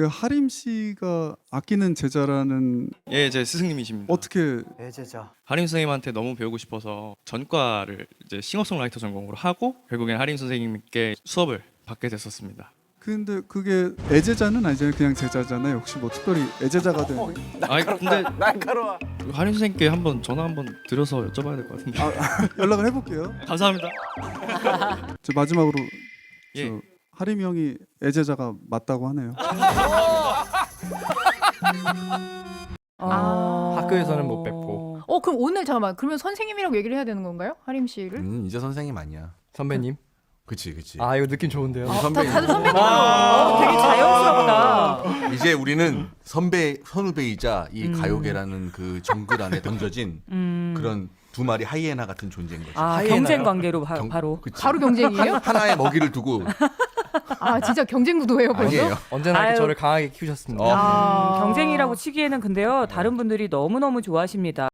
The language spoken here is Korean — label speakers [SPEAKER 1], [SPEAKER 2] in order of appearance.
[SPEAKER 1] 그 하림 씨가 아끼는 제자라는
[SPEAKER 2] 예, 제 스승님이십니다.
[SPEAKER 1] 어떻게
[SPEAKER 3] 애제자.
[SPEAKER 2] 하림 선생님한테 너무 배우고 싶어서 전과를 이제 싱어송라이터 전공으로 하고 결국엔 하림 선생님께 수업을 받게 됐었습니다.
[SPEAKER 1] 근데 그게 애제자는 아니잖아요. 그냥 제자잖아요. 혹시 뭐 특별히 애제자가 된
[SPEAKER 2] 아니 근데
[SPEAKER 3] 날카로워.
[SPEAKER 2] 하림 선생님께 한번 전화 한번 드려서 여쭤봐야 될 것 같은데.
[SPEAKER 1] 연락을 해볼게요.
[SPEAKER 2] 감사합니다.
[SPEAKER 1] 저 마지막으로
[SPEAKER 2] 예.
[SPEAKER 1] 저 하림 형이 애제자가 맞다고 하네요.
[SPEAKER 4] 학교에서는 못 뵙고.
[SPEAKER 5] 그럼 오늘 잠깐만. 그러면 선생님이라고 얘기를 해야 되는 건가요? 하림 씨를?
[SPEAKER 6] 이제 선생님 아니야.
[SPEAKER 4] 선배님.
[SPEAKER 6] 그치.
[SPEAKER 4] 아 이거 느낌 좋은데요.
[SPEAKER 6] 우리 선배님.
[SPEAKER 5] 다들 선배님으로.
[SPEAKER 7] 되게 자연스럽다.
[SPEAKER 6] 이제 우리는 선후배이자 이 가요계라는 그 정글 안에 던져진 그런 두 마리 하이에나 같은 존재인 거지.
[SPEAKER 7] 아,
[SPEAKER 4] 하이에나요?
[SPEAKER 7] 경쟁 관계로
[SPEAKER 6] 경-
[SPEAKER 7] 바로.
[SPEAKER 6] 그치.
[SPEAKER 5] 바로 경쟁이에요?
[SPEAKER 6] 하나의 먹이를 두고
[SPEAKER 5] 진짜 경쟁 구도예요 벌써?
[SPEAKER 6] 아니에요.
[SPEAKER 4] 언제나 이렇게
[SPEAKER 7] 아유.
[SPEAKER 4] 저를 강하게 키우셨습니다.
[SPEAKER 6] 어.
[SPEAKER 7] 경쟁이라고 치기에는 근데요 다른 분들이 너무너무 좋아하십니다.